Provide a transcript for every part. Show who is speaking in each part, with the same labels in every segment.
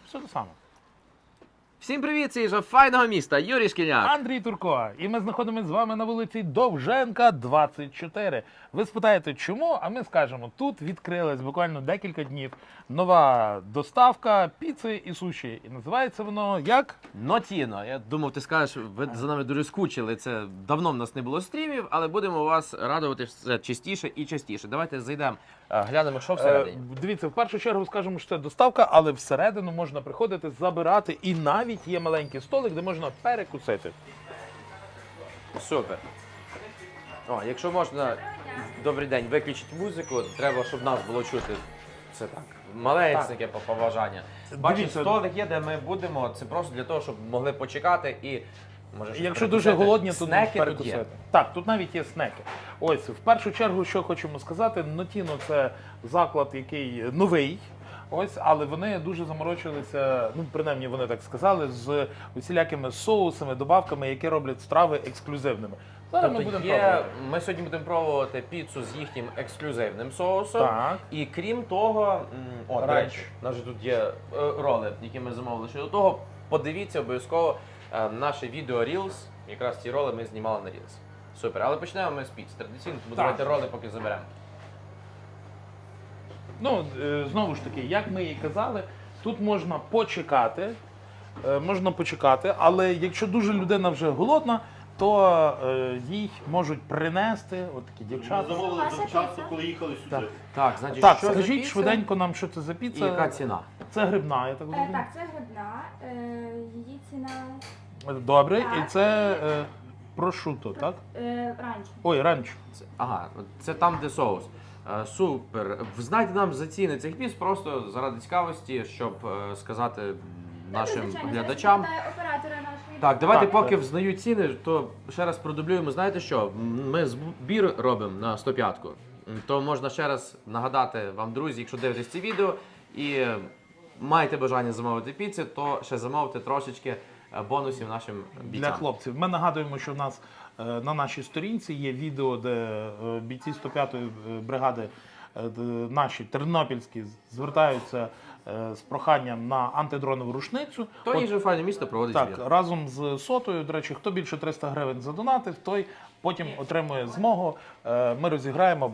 Speaker 1: Все те саме.
Speaker 2: Всім привіт, це Іжа файного міста, Юрій Шкільняк.
Speaker 1: Андрій Турко. І ми знаходимося з вами на вулиці Довженка, 24. Ви спитаєте, чому? А ми скажемо, тут відкрилась буквально декілька днів нова доставка піци і суші. І називається воно як?
Speaker 2: Нотіно. Я думав, ти скажеш, ви за нами дуже скучили. Це давно в нас не було стрімів, але будемо вас радувати все частіше і частіше. Давайте зайдемо, глянемо, що всередині.
Speaker 1: Дивіться, в першу чергу скажемо, що це доставка, але всередину можна приходити, забирати. І навіть є маленький столик, де можна перекусити.
Speaker 2: Супер. О, якщо можна, добрий день, виключіть музику, треба, щоб нас було чути. Це так. Малесеньке побажання. Бачите,
Speaker 1: Дивіться.
Speaker 2: столик є, де ми будемо. Це просто для того, щоб могли почекати і. Може, щось
Speaker 1: Якщо дуже
Speaker 2: перекусити.
Speaker 1: голодні, то
Speaker 2: снеки тут
Speaker 1: перекусити.
Speaker 2: є.
Speaker 1: Так, тут навіть є снеки. Ось, в першу чергу, що хочемо сказати, Нотіно – це заклад, який новий. Ось, але вони дуже заморочилися, ну принаймні вони так сказали, з усілякими соусами, добавками, які роблять страви ексклюзивними. Зараз ми
Speaker 2: Тобто
Speaker 1: будемо
Speaker 2: є,
Speaker 1: пробувати.
Speaker 2: ми сьогодні будемо пробувати піцу з їхнім ексклюзивним соусом.
Speaker 1: Так.
Speaker 2: І крім того, до
Speaker 1: Ранч.
Speaker 2: речі, у нас же тут є роли, які ми замовили. Ще до того, подивіться обов'язково наше відео Reels. Якраз ці роли ми знімали на Reels. Супер. Але почнемо ми з піц. Традиційно, тому
Speaker 1: Так.
Speaker 2: давайте роли поки заберемо.
Speaker 1: Ну, знову ж таки, як ми і казали, тут можна почекати, але якщо дуже людина вже голодна, то їй можуть принести от такі
Speaker 3: Ми
Speaker 1: дівчата.
Speaker 3: замовили завчасно, коли їхали сюди.
Speaker 1: Так.
Speaker 2: Так, значить,
Speaker 1: Так,
Speaker 2: що за
Speaker 1: скажіть
Speaker 2: піца
Speaker 1: швиденько нам, що це за
Speaker 2: і
Speaker 1: піца.
Speaker 2: яка ціна?
Speaker 1: Це грибна, я так розумію.
Speaker 4: Так, це грибна, її ціна
Speaker 1: Добре,
Speaker 4: Так.
Speaker 1: і це прошуто, так?
Speaker 4: ранчо.
Speaker 1: Ой, ранч.
Speaker 2: Ага, це там, де соус. Супер. Знайте нам за ціни цих піц просто заради цікавості, щоб сказати нашим
Speaker 4: Звичайно,
Speaker 2: глядачам.
Speaker 4: зараз питаю оператора нашої.
Speaker 2: Так, давайте
Speaker 1: Так,
Speaker 2: поки
Speaker 1: так.
Speaker 2: взнають ціни, то ще раз продублюємо. Знаєте що? Ми збір робимо на 105-ку. То можна ще раз нагадати вам, друзі, якщо дивитесь ці відео і маєте бажання замовити піци, то ще замовте трошечки бонусів нашим бійцям.
Speaker 1: Для хлопців. Ми нагадуємо, що в нас на нашій сторінці є відео, де бійці 105-ї бригади наші тернопільські звертаються з проханням на антидронову рушницю.
Speaker 2: То
Speaker 1: От,
Speaker 2: їжа файне місто проводить
Speaker 1: так,
Speaker 2: збір.
Speaker 1: разом з сотою, до речі, хто більше 300 гривень задонатив, той потім отримує змогу. Ми розіграємо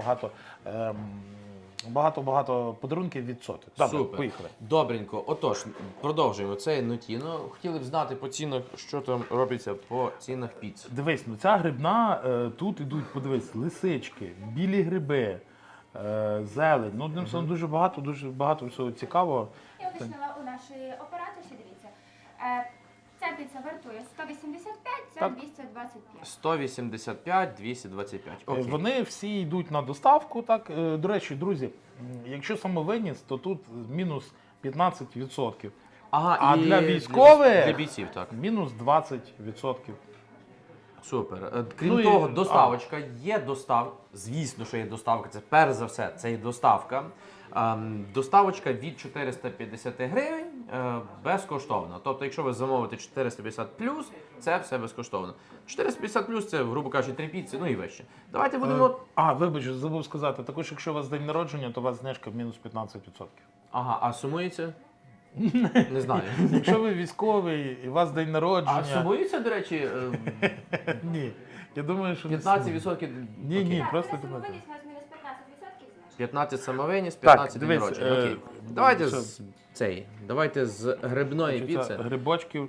Speaker 1: багато подарунків від соти. Добре,
Speaker 2: Супер.
Speaker 1: поїхали.
Speaker 2: Добренько. Отож, продовжуємо. Це Нотіно. Хотіли б знати по цінах, що там робиться по цінах піц.
Speaker 1: Дивись, ну ця грибна, тут ідуть, подивись, лисички, білі гриби, зелень. Ну, одним словом, дуже багато всього цікавого.
Speaker 4: Я уточнила у нашої операторші, дивіться. Ця піца вартує 185, ця
Speaker 1: Так.
Speaker 4: 225.
Speaker 2: 185, 225. Окей.
Speaker 1: Вони всі йдуть на доставку. Так. До речі, друзі, якщо самовиніс, то тут мінус 15%.
Speaker 2: Ага,
Speaker 1: А
Speaker 2: і
Speaker 1: для військових?
Speaker 2: Для бійців, так.
Speaker 1: Мінус 20%.
Speaker 2: Супер. Крім
Speaker 1: Ну і-
Speaker 2: того, доставочка. Є доставка. Звісно, що є доставка. Це перш за все, це є доставка. Доставочка від 450 гривень безкоштовна. Тобто, якщо ви замовите 450 плюс, це все безкоштовно. 450 плюс це, грубо кажучи, 3 піци, ну і вище. Давайте будемо.
Speaker 1: Вибач, забув сказати, також якщо у вас день народження, то у вас знижка мінус 15%.
Speaker 2: Ага, а сумується? Не знаю.
Speaker 1: Якщо ви військовий і у вас день народження...
Speaker 2: А сумується, до речі,
Speaker 1: Ні. Я думаю, що...
Speaker 2: 15%.
Speaker 1: Ні, ні,
Speaker 4: Так,
Speaker 1: просто
Speaker 4: на
Speaker 1: 15%.
Speaker 4: самовиніс у нас мінус 15% знижка.
Speaker 2: 15 самовиніс,
Speaker 1: Так,
Speaker 2: 15 день
Speaker 1: дивись,
Speaker 2: народження. Окей. Давайте
Speaker 1: що?
Speaker 2: Давайте з грибної
Speaker 1: Значить,
Speaker 2: піци.
Speaker 1: Грибочків,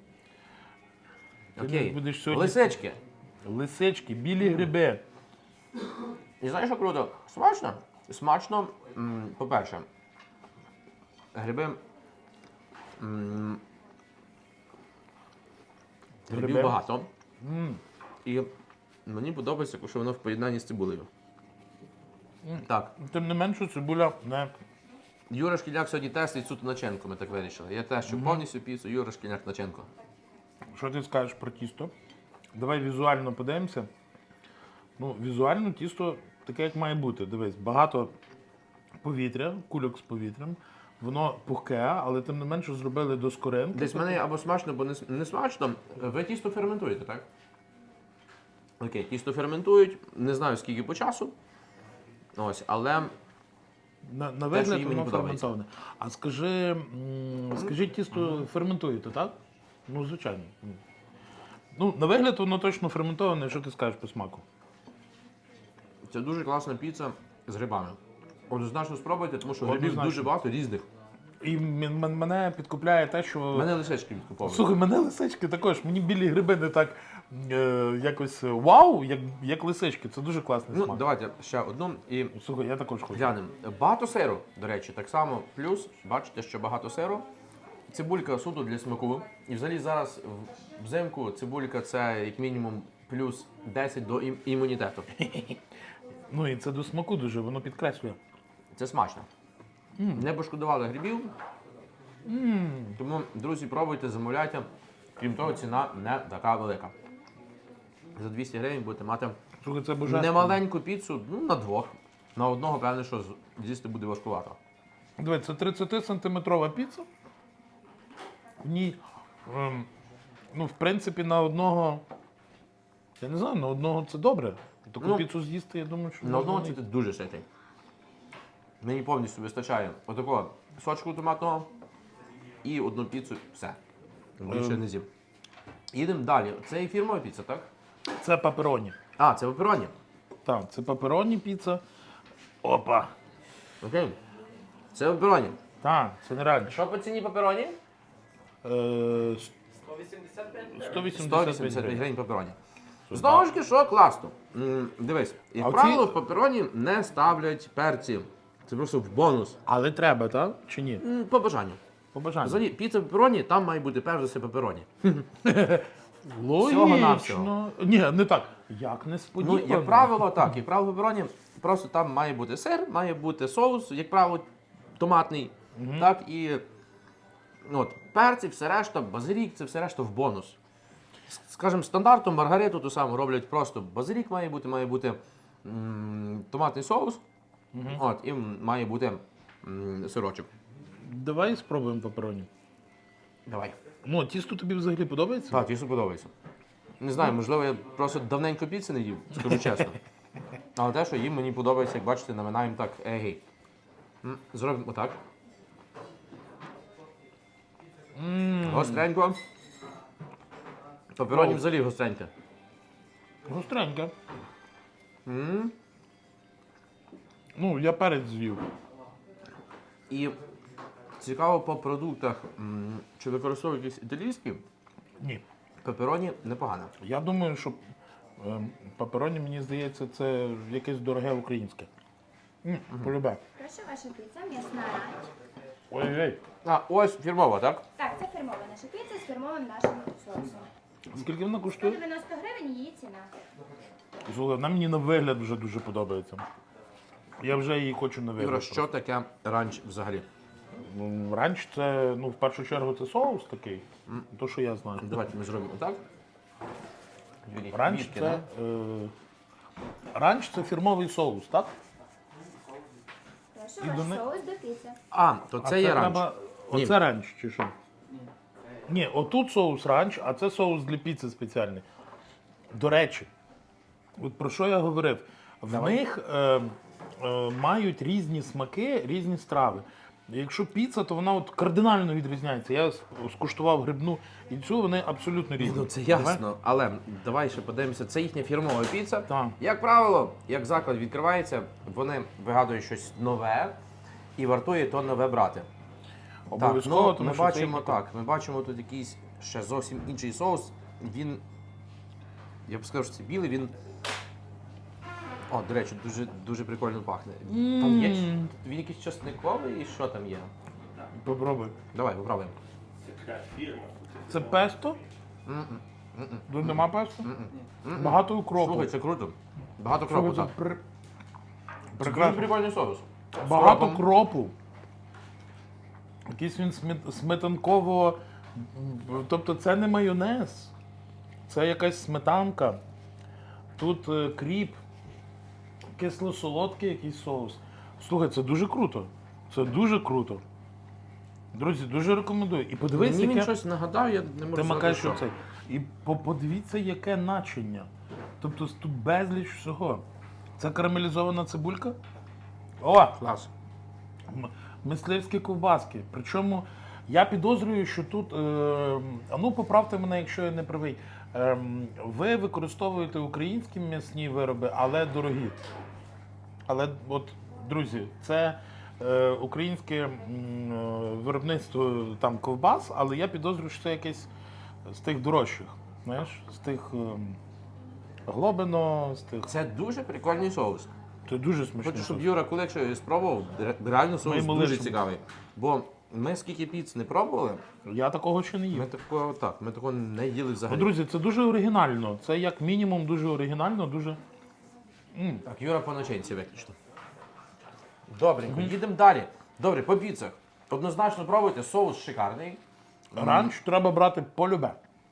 Speaker 2: Окей.
Speaker 1: будеш сьогодні-
Speaker 2: Лисички.
Speaker 1: лисички, білі гриби.
Speaker 2: І знаєш, що круто? Смачно? Смачно, по-перше, гриби. Грибів
Speaker 1: Гриби.
Speaker 2: багато. І мені подобається, що воно в поєднанні з цибулею. Так,
Speaker 1: Тим не менше, цибуля не...
Speaker 2: Юра Шкільняк сьогодні тестить суто начинку, ми так вирішили. Я тещу повністю піцу, Юра Шкільняк начинку.
Speaker 1: Що ти скажеш про тісто? Давай візуально подивимося. Ну, візуально тісто таке, як має бути. Дивись, багато повітря, кульок з повітрям. Воно пухке, але тим не менше зробили до скоринки.
Speaker 2: Десь в мене або смачно, або не смачно. Ви тісто ферментуєте, так? Окей, тісто ферментують, не знаю скільки по часу. Ось, але
Speaker 1: На
Speaker 2: що
Speaker 1: вигляд
Speaker 2: їм мені
Speaker 1: воно
Speaker 2: подобається.
Speaker 1: ферментоване. А скажи, тісто ферментуєте, так? Ну, звичайно. Ну, на вигляд воно точно ферментоване, що ти скажеш по смаку?
Speaker 2: Це дуже класна піца з грибами. Однозначно спробуйте, тому що грибів
Speaker 1: Однозначно.
Speaker 2: дуже багато різних.
Speaker 1: І мене підкупляє те, що.
Speaker 2: Мене лисички відкуповують.
Speaker 1: Слухай, мене лисички також. Мені білі гриби не так якось вау, як лисички. Це дуже класний
Speaker 2: Ну,
Speaker 1: смак.
Speaker 2: давайте ще одну і
Speaker 1: Слухай, я також хочу.
Speaker 2: глянемо. Багато сиру, до речі, так само. Плюс, бачите, що багато сиру. Цибулька суто для смаку. І взагалі зараз взимку цибулька це як мінімум плюс 10 до імунітету.
Speaker 1: Ну і це до смаку дуже, воно підкреслює.
Speaker 2: Це смачно. Не пошкодували грибів. Тому, друзі, пробуйте, замовляйте. Крім того, ціна не така велика. За 200 гривень будете мати
Speaker 1: Слухай, це божественно.
Speaker 2: немаленьку піцу, ну, на двох. На одного, певне, що з'їсти буде важкувато.
Speaker 1: Дивись, це 30-сантиметрова піца. В ній, ну, в принципі, на одного. Я не знаю, на одного це добре. Таку
Speaker 2: Ну,
Speaker 1: піцу з'їсти, я думаю, що.
Speaker 2: На одного
Speaker 1: можна
Speaker 2: це дуже ситий. Мені повністю вистачає отакого сочку томатного і одну піцу, все. Більше не з'їм. Їдемо далі. Це і фірмова піца, так?
Speaker 1: Це папероні.
Speaker 2: А, це пепероні.
Speaker 1: Так, це папероні піца. Опа.
Speaker 2: Окей. Це пепероні.
Speaker 1: Так, це нереально.
Speaker 2: Що по ціні пепероні?
Speaker 1: 185
Speaker 2: 185
Speaker 1: гривень.
Speaker 2: гривень пепероні. Знову ж таки, що класно. Дивись,
Speaker 1: А
Speaker 2: як
Speaker 1: оці-
Speaker 2: правило, в пепероні не ставлять перці. Це просто в бонус.
Speaker 1: Але треба, так? Чи ні?
Speaker 2: По бажанню.
Speaker 1: По бажанню.
Speaker 2: Взагалі, піца пепероні, там має бути перш за все пепероні.
Speaker 1: Логічно.
Speaker 2: всього.
Speaker 1: Ні, не так. Як
Speaker 2: Ну,
Speaker 1: несподівано.
Speaker 2: як правило, так. Як правило, пепероні, просто там має бути сир, має бути соус, як правило, томатний. Так, і от, перці, все решта, базилік, це все решта в бонус. Скажімо, стандартом маргариту ту саму роблять просто базилік має бути томатний соус, от, і має бути сирочок.
Speaker 1: Давай спробуємо папероні.
Speaker 2: Давай.
Speaker 1: Ну, тісто тобі взагалі подобається?
Speaker 2: Так, тісто подобається. Не знаю, можливо, я просто давненько піци не їв, скажу чесно. Але те, що їм, мені подобається, як бачите, наминаємо так егей. Зробимо отак. Гостренько. Папероні взагалі гостреньке.
Speaker 1: Гостреньке. Ну, я перець з'їв.
Speaker 2: І цікаво по продуктах, чи використовують якісь італійські,
Speaker 1: Ні.
Speaker 2: пепероні непогано.
Speaker 1: Я думаю, що папероні, мені здається, це якесь дороге українське. Полюбе.
Speaker 4: Прошу, ваша піца, м'ясна ранч.
Speaker 1: Ой-ой.
Speaker 2: А, ось фірмова, так?
Speaker 4: Так, це фірмова наша піца з фірмовим нашим соусом.
Speaker 1: Скільки вона коштує?
Speaker 4: 190 гривень її ціна.
Speaker 1: Слухай, вона мені на вигляд вже дуже подобається. Я вже її хочу на
Speaker 2: Юра,
Speaker 1: вигляд.
Speaker 2: що таке ранч взагалі?
Speaker 1: Ну, ранч це, ну, в першу чергу, це соус такий. То, що я знаю.
Speaker 2: Давайте ми зробимо так. Юрій,
Speaker 1: Ранч
Speaker 2: вітки,
Speaker 1: це,
Speaker 2: да?
Speaker 1: ранч це фірмовий соус, так?
Speaker 4: Прошу,
Speaker 1: І
Speaker 4: ваш
Speaker 1: до не-
Speaker 4: соус до піци.
Speaker 2: А, то
Speaker 1: А
Speaker 2: це є ранч.
Speaker 1: треба-
Speaker 2: Ні.
Speaker 1: Оце ранч чи що? Ні, отут соус ранч, а це соус для піци спеціальний. До речі, от про що я говорив? В них мають різні смаки, різні страви. Якщо піца, то вона от кардинально відрізняється. Я скуштував грибну і цю, вони абсолютно різні.
Speaker 2: Ну це ясно, але давай ще подивимося, це їхня фірмова піца.
Speaker 1: Так.
Speaker 2: Як правило, як заклад відкривається, вони вигадують щось нове і вартує то нове брати.
Speaker 1: Обов'язково,
Speaker 2: так, ну,
Speaker 1: тому
Speaker 2: ми
Speaker 1: що
Speaker 2: бачимо
Speaker 1: це
Speaker 2: так. Ми бачимо тут якийсь ще зовсім інший соус. Він, я б сказав, що це білий, він. О, до речі, дуже прикольно пахне. Там є він якийсь часниковий і що там є?
Speaker 1: Попробуй.
Speaker 2: Давай, попробуємо.
Speaker 1: Це песто? Тут нема песто? Багато укропу.
Speaker 2: Слухай, це круто. Багато
Speaker 1: Слухай,
Speaker 2: кропу,
Speaker 1: це
Speaker 2: так. Це дуже
Speaker 1: прекрасно.
Speaker 2: прикольний соус. З
Speaker 1: Багато
Speaker 2: кропом.
Speaker 1: кропу. Якийсь він сметанково. Тобто це не майонез. Це якась сметанка. Тут кріп, кисло-солодкий якийсь соус. Слухай, це дуже круто. Це дуже круто. Друзі, дуже рекомендую. І подивись,
Speaker 2: Мені він
Speaker 1: яке...
Speaker 2: щось нагадав, я не можу
Speaker 1: Ти
Speaker 2: сказати,
Speaker 1: макаєш
Speaker 2: що.
Speaker 1: оцей. І подивіться, яке начиння. Тобто тут безліч всього. Це карамелізована цибулька. О!
Speaker 2: Клас.
Speaker 1: Мисливські ковбаски. Причому я підозрюю, що тут, а ну поправте мене, якщо я не правий, ви використовуєте українські м'ясні вироби, але дорогі. Але от, друзі, це українське виробництво там ковбас, але я підозрюю, що це якесь з тих дорожчих. Знаєш, з тих Глобино, з тих.
Speaker 2: Це дуже прикольний соус.
Speaker 1: Це дуже смачно.
Speaker 2: Хочу, щоб Юра, коли якщо спробував, реально соус
Speaker 1: йому
Speaker 2: дуже
Speaker 1: лишимо.
Speaker 2: цікавий. Бо ми скільки піц не пробували,
Speaker 1: Я такого ще не їв.
Speaker 2: ми такого не їли
Speaker 1: Ну,
Speaker 2: взагалі.
Speaker 1: друзі, це дуже оригінально. Це як мінімум дуже оригінально, дуже.
Speaker 2: Так, Юра по начинці виключно. Добренько, їдемо далі. Добре, по піцах. Однозначно пробуйте, соус шикарний.
Speaker 1: Ранч треба брати полюбе.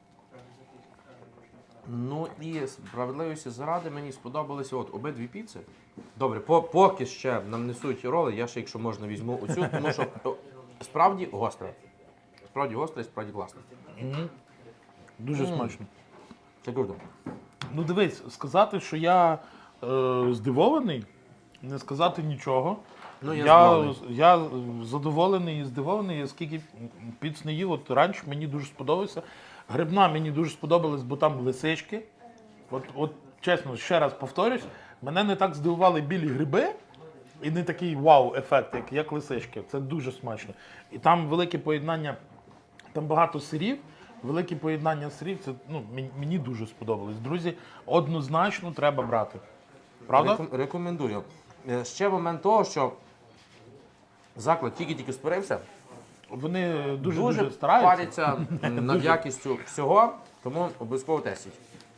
Speaker 2: Ну і справедливості заради мені сподобалися от обидві піци. Добре, поки ще нам несуть роли, я ще, якщо можна, візьму оцю, тому що справді гостре. Справді гостре і справді класно.
Speaker 1: Дуже смачно.
Speaker 2: Це круто.
Speaker 1: Ну дивись, сказати, що я здивований, не сказати нічого.
Speaker 2: Ну, я здивований.
Speaker 1: я задоволений і здивований, я скільки піц не їв. От ранч мені дуже сподобався. Грибна мені дуже сподобалась, бо там лисички. От чесно, ще раз повторюсь, мене не так здивували білі гриби і не такий вау-ефект, як лисички. Це дуже смачно. І там велике поєднання, там багато сирів, велике поєднання сирів, це мені дуже сподобалось. Друзі, однозначно треба брати. Правда?
Speaker 2: Рекомендую. Ще момент того, що заклад тільки-тільки створився,
Speaker 1: Вони дуже
Speaker 2: дуже
Speaker 1: стараються.
Speaker 2: паряться над якістю всього, тому обов'язково тестіть.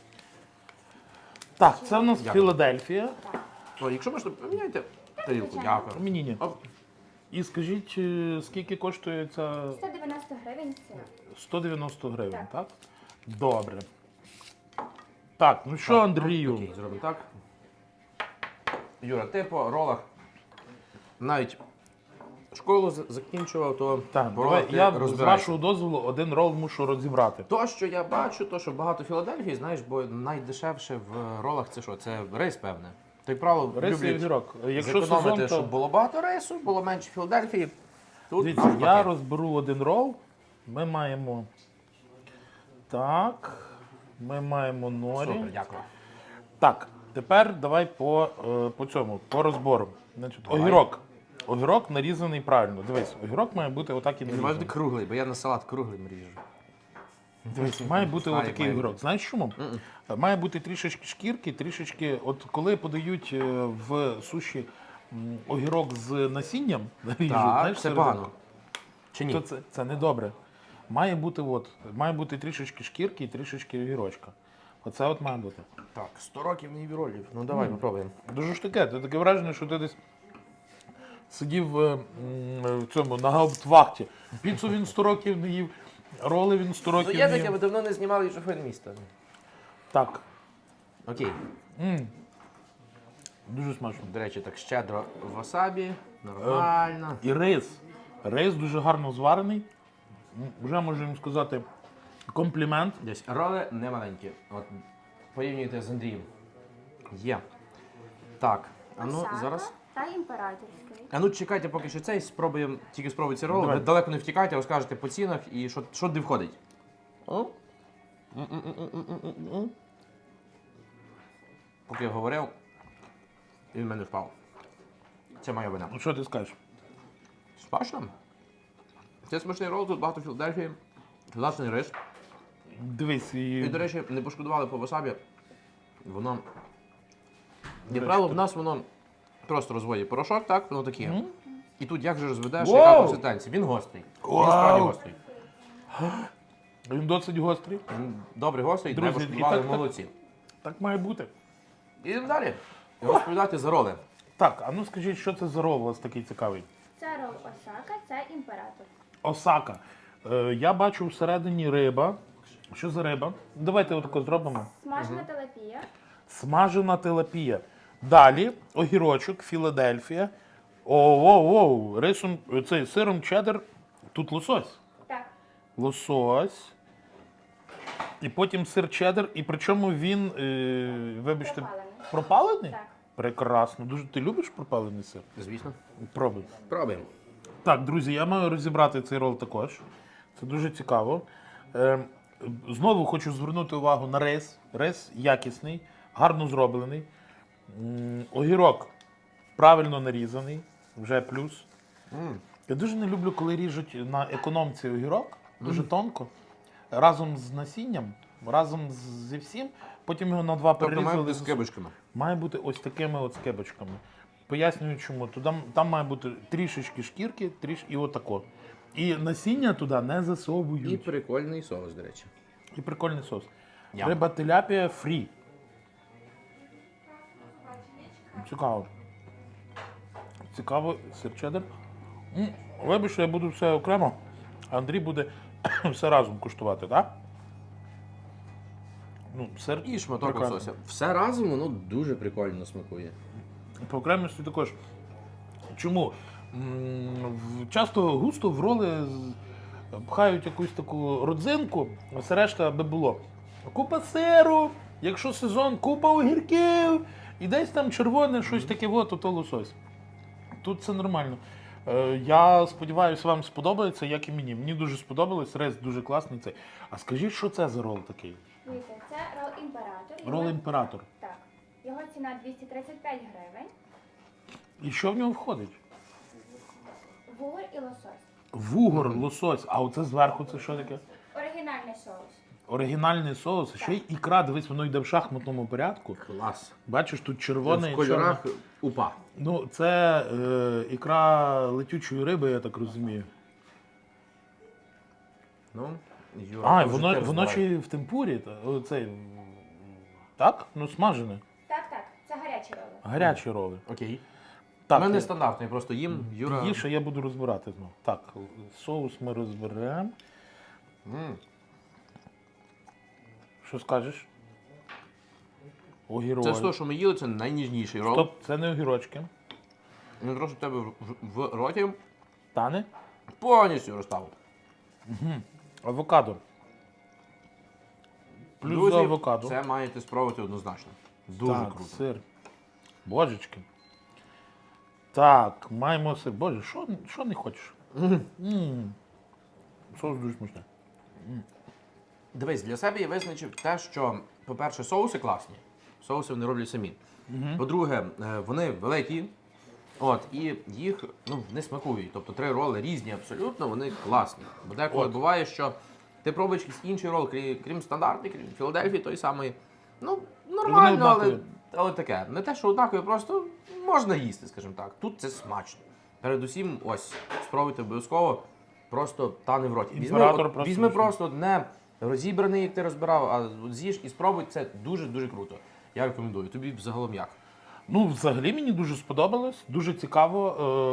Speaker 1: Так, це в нас
Speaker 2: Дякую.
Speaker 1: Філадельфія.
Speaker 2: О, якщо можна, поміняйте тарілку.
Speaker 4: Звичайно.
Speaker 2: Дякую.
Speaker 1: Мені ні.
Speaker 2: Оп.
Speaker 1: І скажіть, скільки коштує ця
Speaker 4: 190 гривень ціна.
Speaker 1: 190 гривень,
Speaker 4: Так.
Speaker 1: так? Добре. Так, ну що, Андрію?
Speaker 2: Окей, зробимо так. Юра, ти по ролах навіть школу закінчував, то
Speaker 1: Так,
Speaker 2: по ролах
Speaker 1: давай,
Speaker 2: ти
Speaker 1: я з
Speaker 2: розбираєшся.
Speaker 1: вашого дозволу один рол мушу розібрати.
Speaker 2: То, що я бачу, то, що багато Філадельфії, знаєш, бо найдешевше в ролах це що? Це рис, певне. То, як правило,
Speaker 1: Рис і
Speaker 2: люблять
Speaker 1: огірок. Якщо
Speaker 2: зекономити,
Speaker 1: сезон, то...
Speaker 2: щоб було багато рису, було менше Філадельфії. Тут
Speaker 1: Дивіться,
Speaker 2: навпаки.
Speaker 1: я розберу один рол. Ми маємо... Так. Ми маємо норі.
Speaker 2: Супер, дякую.
Speaker 1: Так, тепер давай по цьому, по розбору. Значить,
Speaker 2: Давай.
Speaker 1: огірок. Огірок нарізаний правильно. Дивись, огірок має бути отак і
Speaker 2: Він має
Speaker 1: нарізаний.
Speaker 2: бути круглий, бо я на салат круглим ріжу.
Speaker 1: Дивись, має бути
Speaker 2: Має,
Speaker 1: отакий
Speaker 2: має
Speaker 1: огірок. Знаєш чому? Має бути трішечки шкірки, трішечки. От коли подають в суші огірок з насінням, наріжуть,
Speaker 2: Так,
Speaker 1: знаєш,
Speaker 2: це
Speaker 1: серединку,
Speaker 2: погано. Чи ні?
Speaker 1: то це не добре. Має бути трішечки шкірки і трішечки огірочка. Оце от має бути.
Speaker 2: Так, 100 років мені ролів. Ну давай, попробуємо.
Speaker 1: Дуже ж таке, це таке враження, що ти десь сидів в цьому на гауптвахті. Піцу він 100 років не їв, роли він 100
Speaker 2: Ну
Speaker 1: років
Speaker 2: є
Speaker 1: не
Speaker 2: таке,
Speaker 1: їв.
Speaker 2: ми давно не знімали шофер міста.
Speaker 1: Так,
Speaker 2: Окей.
Speaker 1: дуже смачно.
Speaker 2: До речі, так щедро васабі. Нормально.
Speaker 1: І рис. Рис дуже гарно зварений. Вже можу їм сказати комплімент.
Speaker 2: Десь роли не маленькі. От порівнюйте з Андрієм. Є. Так, а ну
Speaker 4: Осака
Speaker 2: зараз.
Speaker 4: та імператорський.
Speaker 2: А ну чекайте, поки що цей спробуємо, тільки спробуйте роли.
Speaker 1: Давай.
Speaker 2: Ви далеко не втікайте, розкажете по цінах і що де входить. О? Поки я говорив, він в мене впав. Це моя вина.
Speaker 1: Ну що ти скажеш?
Speaker 2: Смачно. Це смачний рол, тут багато Філадельфії, класний рис.
Speaker 1: Дивись,
Speaker 2: І, до речі, не пошкодували по васабі. Воно. Як правило, в нас воно просто розводить порошок, так? Воно таке. І тут як же розведеш, яка
Speaker 1: Вау!
Speaker 2: консистенція? Він гострий. Він
Speaker 1: Вау!
Speaker 2: справді гострий.
Speaker 1: він досить гострий.
Speaker 2: Він добре гострий, не
Speaker 1: Друзі,
Speaker 2: пошкодували,
Speaker 1: і так-
Speaker 2: молодці.
Speaker 1: Так має бути.
Speaker 2: Ідемо далі. Розповідати за роли.
Speaker 1: Так, а ну скажіть, що це за рол у вас такий цікавий?
Speaker 4: Це рол Осака, це імператор.
Speaker 1: Осака. Я бачу всередині риба. Що за риба? Давайте отако зробимо.
Speaker 4: Смажена телепія.
Speaker 1: Смажена тилапія. Далі огірочок, Філадельфія. Оу, рисом, цей сиром чеддер. Тут лосось.
Speaker 4: Так.
Speaker 1: Лосось. І потім сир чеддер. І причому він, вибачте,
Speaker 4: Пропалений.
Speaker 1: пропалений?
Speaker 4: Так.
Speaker 1: Прекрасно. Дуже ти любиш пропалений сир?
Speaker 2: Звісно.
Speaker 1: Пробуй.
Speaker 2: Пробуємо.
Speaker 1: Так, друзі, я маю розібрати цей рол також. Це дуже цікаво. Знову хочу звернути увагу на рис. Рис якісний, гарно зроблений. Огірок правильно нарізаний, вже плюс. Я дуже не люблю, коли ріжуть на економці огірок, дуже тонко, разом з насінням, разом зі всім, потім його на два
Speaker 2: Тобто має
Speaker 1: перерізали.
Speaker 2: бути з кибочками.
Speaker 1: Має бути ось такими от скибочками. Пояснюю чому. Там має бути трішечки шкірки, і отако. І насіння туди не засовують.
Speaker 2: І прикольний соус, до речі.
Speaker 1: І прикольний соус.
Speaker 2: Ням.
Speaker 1: Риба теляпія фрі. Цікаво. Цікаво, сир чеддер. Вибач, що я буду все окремо, а Андрій буде все разом куштувати, так? Ну, сир
Speaker 2: І шматок
Speaker 1: прекрасний.
Speaker 2: лосося. Все разом воно дуже прикольно смакує.
Speaker 1: По окремості також. Чому? Часто густо в роли пхають якусь таку родзинку, а все решта аби було. Купа сиру, якщо сезон, купа огірків, і десь там червоне, щось таке, то лосось. Тут це нормально. Я сподіваюся, вам сподобається, як і мені. Мені дуже сподобалось, рис дуже класний цей. А скажіть, що це за рол такий?
Speaker 4: Дивіться, це рол імператор.
Speaker 1: Рол імператор.
Speaker 4: Так. Його ціна 235 гривень.
Speaker 1: І що в нього входить?
Speaker 4: Вугор і лосось.
Speaker 1: Вугор, лосось, а оце зверху це що таке?
Speaker 4: Оригінальний соус.
Speaker 1: Оригінальний соус, ще й ікра, дивись, воно йде в шахматному порядку.
Speaker 2: Клас.
Speaker 1: Бачиш, тут червоне
Speaker 2: В
Speaker 1: і
Speaker 2: кольорах
Speaker 1: чорне.
Speaker 2: упа.
Speaker 1: Ну, це ікра летючої риби, я так розумію.
Speaker 2: Ну, Юра, ти вже
Speaker 1: Воно
Speaker 2: розбирай.
Speaker 1: ще й в темпурі. Оцей, так? Ну, смажене.
Speaker 4: Так, це гарячі роли.
Speaker 1: Гарячі роли.
Speaker 2: Окей.
Speaker 1: Так,
Speaker 2: У мене
Speaker 1: я-
Speaker 2: стандартно, я просто їм. Юра.
Speaker 1: їж, а я буду розбирати знову. Так, соус ми розберемо. Що скажеш? Огірок.
Speaker 2: Це з того, що ми їли, це найніжніший рол.
Speaker 1: Стоп, це не огірочки.
Speaker 2: Він трошки в тебе в роті
Speaker 1: Тане?
Speaker 2: повністю розстав.
Speaker 1: Авокадо. Плюс
Speaker 2: Друзі,
Speaker 1: за авокадо.
Speaker 2: це маєте спробувати однозначно. Дуже
Speaker 1: Так,
Speaker 2: круто.
Speaker 1: сир. Божечки. Так, маємо сир. Боже, що не хочеш? Соус дуже смачний.
Speaker 2: Дивись, для себе я визначив те, що, по-перше, соуси класні. Соуси вони роблять самі. По-друге, вони великі. От, і їх не смакують. Тобто 3 роли різні абсолютно, вони класні. Бо деколи
Speaker 1: От.
Speaker 2: буває, що ти пробуєш якийсь інший рол, крім стандартний, крім Філадельфії, той самий. Ну, нормально, але,
Speaker 1: однакові.
Speaker 2: але таке. Не те, що однакові, просто можна їсти, скажімо так. Тут це смачно. Передусім, ось, спробуйте обов'язково, просто тане в роті.
Speaker 1: Імператор просто
Speaker 2: Візьми
Speaker 1: візьми.
Speaker 2: просто не розібраний, як ти розбирав, а от з'їж і спробуй, це дуже-дуже круто. Я рекомендую. Тобі взагалом як?
Speaker 1: Ну, взагалі мені дуже сподобалось, дуже цікаво.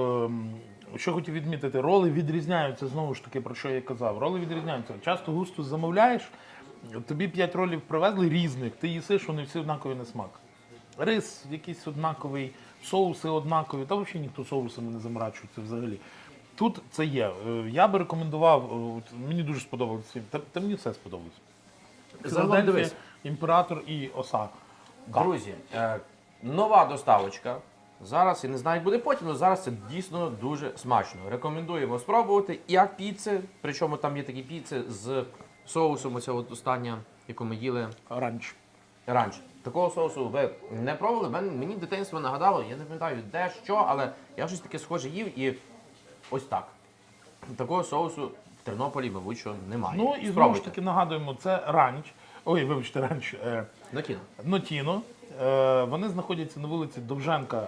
Speaker 1: Що хотів відмітити, роли відрізняються, знову ж таки, про що я казав. Роли відрізняються. Часто густо замовляєш, тобі 5 ролів привезли різних, ти їсиш, вони всі однакові на смак. Рис якийсь однаковий, соуси однакові, та взагалі ніхто соусами не заморачується взагалі. Тут це є. Я би рекомендував, мені дуже сподобалося, та мені все сподобалось.
Speaker 2: Загалом
Speaker 1: Філадельфія,
Speaker 2: дивись.
Speaker 1: імператор і оса.
Speaker 2: Друзі, нова доставочка. Зараз, я не знаю, як буде потім, але зараз це дійсно дуже смачно. Рекомендуємо спробувати як піци, причому там є такі піци з соусом, оця от остання, яку ми їли
Speaker 1: Ранч.
Speaker 2: раніше. Такого соусу ви не пробували? Мені дитинство нагадало, я не пам'ятаю де, що, але я щось таке схоже їв і ось так. Такого соусу в Тернополі, мабуть, що немає.
Speaker 1: Ну і знову ж
Speaker 2: Спробуйте.
Speaker 1: таки нагадуємо, це ранч. Ой, вибачте, ранч.
Speaker 2: На кіно.
Speaker 1: Нотіно. Вони знаходяться на вулиці Довженка,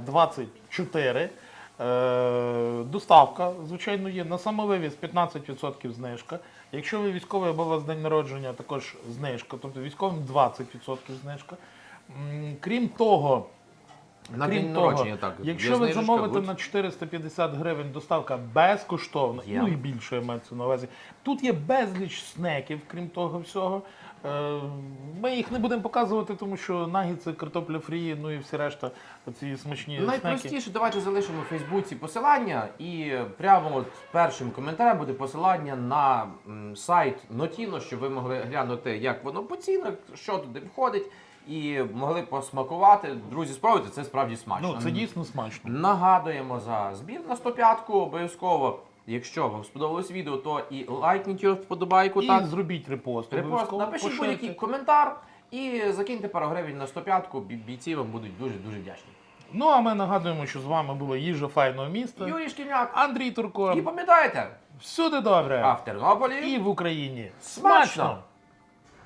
Speaker 1: 24. Доставка, звичайно, є. На самовивіз 15% знижка. Якщо ви військовий або у вас день народження, також знижка. Тобто військовим 20% знижка. Крім того,
Speaker 2: На
Speaker 1: Крім
Speaker 2: день
Speaker 1: того,
Speaker 2: народження, так.
Speaker 1: якщо
Speaker 2: є
Speaker 1: ви
Speaker 2: знижечка,
Speaker 1: замовите
Speaker 2: будь-
Speaker 1: на 450 гривень доставка безкоштовна,
Speaker 2: Є.
Speaker 1: ну і більше я маю це на увазі. Тут є безліч снеків, крім того всього. Ми їх не будемо показувати, тому що нагідси, картопля фрі, ну і всі решта, ці смачні снеки.
Speaker 2: Найпростіше, давайте залишимо у Фейсбуці посилання і прямо от першим коментарем буде посилання на сайт Notino, щоб ви могли глянути, як воно по цінах, що туди входить. і могли посмакувати. Друзі, спробуйте, це справді смачно.
Speaker 1: Ну, це дійсно смачно.
Speaker 2: Нагадуємо за збір на 105-ку, обов'язково. Якщо вам сподобалось відео, то і лайкніть його вподобайку.
Speaker 1: І
Speaker 2: Так,
Speaker 1: зробіть репост.
Speaker 2: репост,
Speaker 1: обов'язково,
Speaker 2: напишіть
Speaker 1: поширте.
Speaker 2: будь-який коментар і закиньте пару гривень на 105-ку. Бійці вам будуть дуже-дуже вдячні.
Speaker 1: Ну, а ми нагадуємо, що з вами було їжа файного міста.
Speaker 2: Юрій Шкільняк.
Speaker 1: Андрій Турко.
Speaker 2: І пам'ятайте,
Speaker 1: Всюди добре.
Speaker 2: а в Тернополі
Speaker 1: І в Україні.
Speaker 2: смачно!